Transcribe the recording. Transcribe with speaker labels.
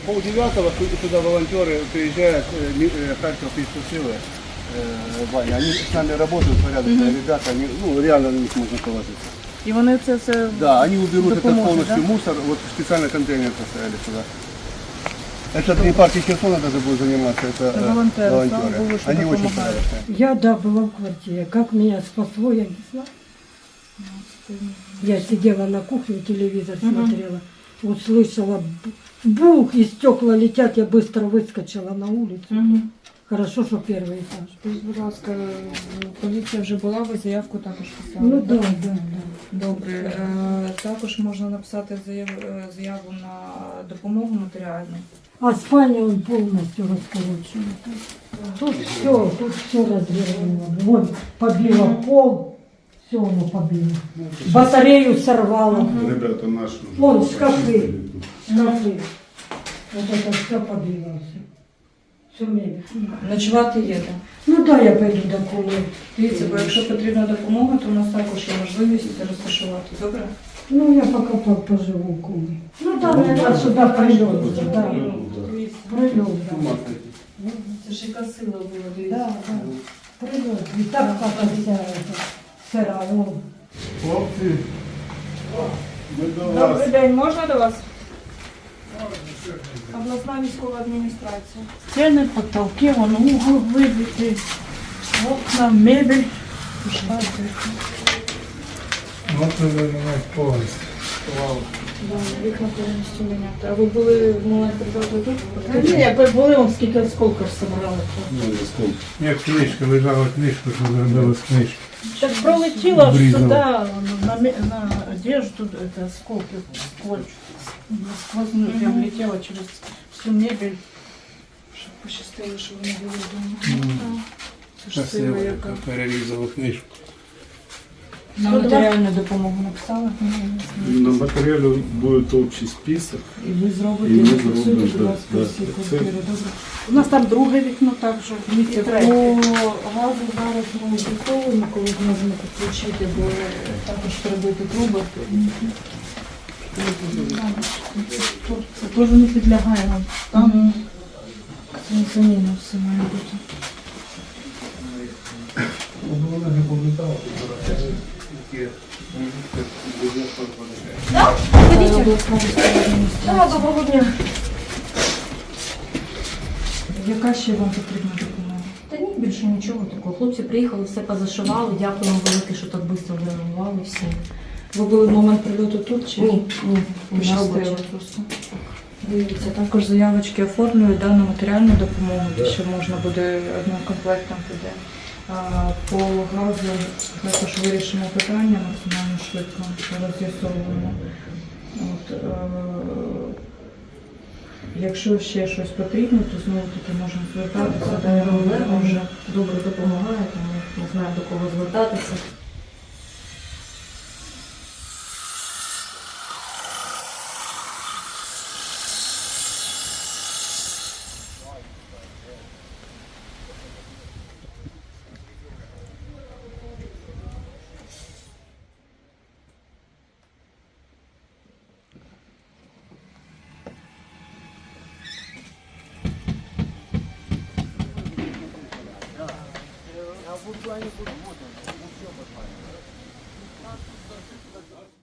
Speaker 1: полдевятого сюда волонтеры приезжают, Харьков Пищу Силы, Ваня, они с нами работают, порядочные ребята, они, ну, реально на них можно положиться.
Speaker 2: І вони це все
Speaker 1: Да, они уберут этот
Speaker 2: допоможуть,
Speaker 1: полностью
Speaker 2: да?
Speaker 1: мусор, вот специально контейнер поставили сюда. Это не партия Херсона даже будет заниматься, это
Speaker 2: волонтеры, слава Богу, что
Speaker 1: Они очень
Speaker 2: помогают.
Speaker 1: порядочные.
Speaker 3: Я, да, была в квартире. Как меня спасло, я не знаю. Я сидела на кухне, телевизор смотрела. Услышала бух, и стекла летят. Я быстро выскочила на улицу. Хорошо, что первый этаж.
Speaker 2: Скажіть, будь ласка, поліція вже була, ви заявку також писали?
Speaker 3: Ну
Speaker 2: так?
Speaker 3: да, да, да.
Speaker 2: Добре. Також можна написати заяву на допомогу матеріальну.
Speaker 3: А спальня он полностью расколочена. Тут все развернуло. Вот побило пол, все оно побило. Батарею сорвало.
Speaker 4: Ребята наши.
Speaker 3: Вон шкафы. Шкафы. Вот это все побило. Все мебель.
Speaker 2: Ночувати є, так?
Speaker 3: Ну да, я пойду до кухни.
Speaker 2: Дивіться, бо якщо потрібна допомога, то у нас також є можливість розташувати. Добре?
Speaker 3: Ну я пока поживу в кухне. Ну да, наверное, сюда прилет уже, да.
Speaker 2: Дивіться.
Speaker 3: Прилет, да.
Speaker 2: Це ж яка сила була,
Speaker 3: Да,
Speaker 2: дивіться.
Speaker 3: да. Прилет. И так хата вся эта сырая. Вон.
Speaker 4: Хлопці, ми до вас.
Speaker 2: Добрий день, можна до вас? Обласна військова адміністрація.
Speaker 5: Стены, потолки, вон угол выбитый, окна, мебель.
Speaker 4: Вот треба міняти повністю.
Speaker 2: Вікна повністю міняти. А ви були в момент прильоту тут?
Speaker 5: Ні, якби були, он скільки осколків собрали.
Speaker 4: Як книжка, лежала книжка, що зробила з книжки.
Speaker 5: Так пролетіло ж
Speaker 4: Обрізала.
Speaker 5: туди, на одежду, это осколки, сквозь прям летело через всю мебель.
Speaker 2: Щоб пощастило, що вони були вдома. Це ж сила яка.
Speaker 4: Перерізала книжку.
Speaker 2: На матеріальну допомогу написали?
Speaker 4: На матеріалі буде общий список.
Speaker 2: І ви зробите,
Speaker 4: І ми
Speaker 2: зафіксуєте,
Speaker 4: зробимо,
Speaker 2: будь ласка,
Speaker 4: да,
Speaker 2: всі
Speaker 4: да.
Speaker 2: квартири, добре?
Speaker 5: У нас там друге вікно також, і
Speaker 2: По
Speaker 5: третє.
Speaker 2: газу зараз ми готовимо, коли зможемо підключити, бо також перебити труби.
Speaker 5: Це теж не підлягає нам.
Speaker 2: Там заміна все має бути.
Speaker 4: Вона не пам'ятала.
Speaker 2: Обласна військова адміністрація.
Speaker 3: Доброго дня.
Speaker 2: Яка ще вам потрібна допомога?
Speaker 6: Та ні, більше нічого такого. Хлопці приїхали, все позашивали. Дякуємо велике, що так швидко реагували всі.
Speaker 2: Ви були в момент прильоту тут чи?
Speaker 6: Ні, на
Speaker 2: Пощастило
Speaker 6: роботі.
Speaker 2: просто. Дивіться, також заявочки оформлюють да, на матеріальну допомогу, що можна буде одним комплектом піде. А по газу також вирішимо питання максимально швидко, роз'ясовуємо. От, якщо ще щось потрібно, то знову таки можна звертатися.
Speaker 6: Так, Олег вже добре допомагає, тому не знаю, до кого звертатися.
Speaker 1: Я в плане буду.